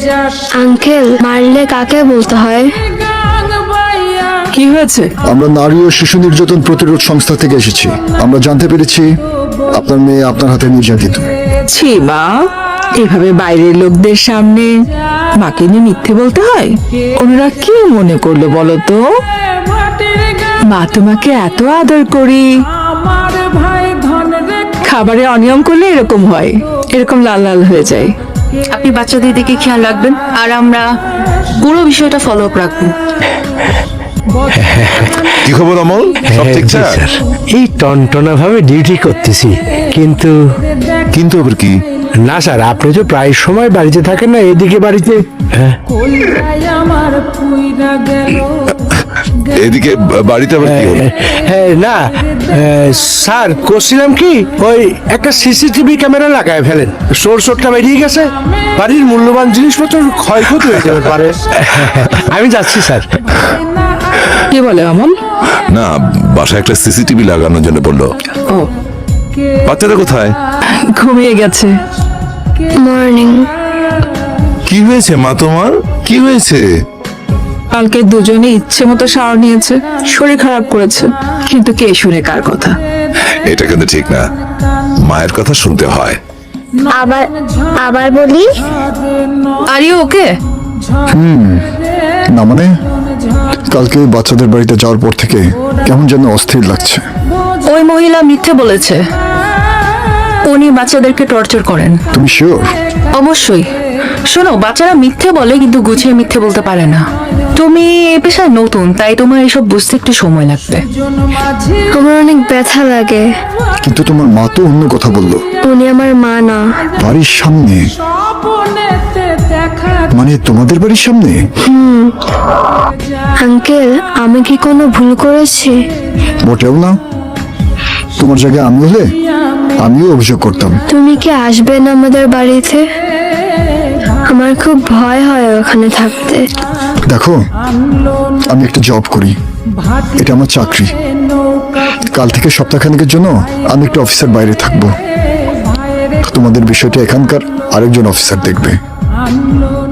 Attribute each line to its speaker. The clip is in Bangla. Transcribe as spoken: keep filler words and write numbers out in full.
Speaker 1: আঙ্কেল, মারলে কাকে বলতে হয়?
Speaker 2: কি হয়েছে?
Speaker 3: আমরা নারী ও শিশু নির্যাতন প্রতিরোধ সংস্থা থেকে এসেছি। আমরা জানতে পেরেছি আপনার মেয়ে আপনার হাতে নির্যাতিত।
Speaker 2: ছি মা, এভাবে বাইরের লোকদের সামনে মাকে নিয়ে মিথ্যে বলতে হয়? ওনারা কি মনে করলো বলো তো? মা তোমাকে এত আদর করি, খাবারে অনিয়ম করলে এরকম হয়, এরকম লাল লাল হয়ে যায়।
Speaker 4: আপনি বাচ্চাদের দিকে খেয়াল রাখবেন আর আমরা পুরো বিষয়টা ফলো আপ রাখবো।
Speaker 5: কি খবর অমল, সব ঠিকঠাক?
Speaker 6: এই টনটনা ভাবে ডিউটি করতেছি, কিন্তু
Speaker 5: কিন্তু আবার কি?
Speaker 6: না স্যার, আপনি তো প্রায় সময় বাড়িতে থাকেন না, এদিকে বাড়িতে। হ্যাঁ,
Speaker 5: এদিকে বাড়িতে আবার কি হলো?
Speaker 6: হ্যাঁ, না স্যার, করছিলাম কি, ওই একটা সিসিটিভি ক্যামেরা লাগায় ফেলেন, সোর সোরটা বেরিয়ে গেছে, বাড়ির মূল্যবান জিনিসপত্র ক্ষয়ক্ষতি হয়ে যেতে পারে। আমি যাচ্ছি স্যার।
Speaker 2: কি বলে অমল?
Speaker 5: না, বাসায় একটা সিসিটিভি লাগানোর জন্য বললো।
Speaker 2: ও,
Speaker 5: বাচ্চাটা কোথায়?
Speaker 2: ঘুমিয়ে গেছে।
Speaker 1: মর্নিং।
Speaker 5: কি হয়েছে মা তোমার? কি হয়েছে?
Speaker 2: কালকে দুজনে ইচ্ছে মতো শাওয়ার নিয়েছে, শরীর খারাপ করেছে, কিন্তু কে শুনে কার কথা?
Speaker 5: এটা কিন্তু ঠিক না, মায়ের কথা শুনতে হয়।
Speaker 1: আবার আবার বলি,
Speaker 4: আর ইউ ওকে?
Speaker 3: না মানে, কালকে বাচ্চাদের বাড়িতে যাওয়ার পর থেকে কেমন যেন অস্থির লাগছে।
Speaker 4: ওই মহিলা মিথ্যে বলেছে, উনি বাচ্চাদেরকে টর্চার করেন।
Speaker 3: তুমি শিওর?
Speaker 4: অবশ্যই। শোনো, বাচ্চারা মিথ্যে বলে কিন্তু গুছিয়ে মিথ্যে বলতে পারে না। তুমি এই পেশায় নতুন, তাই তোমার এসব বুঝতে একটু সময় লাগবে।
Speaker 1: আমার অনেক ব্যথা লাগে।
Speaker 3: কিন্তু তোমার মা তো অন্য কথা বললো।
Speaker 1: উনি আমার মা না।
Speaker 3: বাড়ির সামনে? মানে তোমাদের বাড়ির সামনে?
Speaker 1: আঙ্কেল, আমি কি কোনো ভুল করেছি?
Speaker 3: মোটেও না। তোমার জায়গায় আমি হলে আমিও অভিযোগ করতাম।
Speaker 1: তুমি কি আসবে না আমাদের বাড়িতে? আমার খুব ভয় হয় ওখানে থাকতে।
Speaker 3: দেখো, আমি একটা জব করি, এটা আমার চাকরি। কাল থেকে সপ্তাহখানেকের জন্য আমি একটু অফিসের বাইরে থাকবো। তোমাদের বিষয়টা এখানকার আরেকজন অফিসার দেখবে।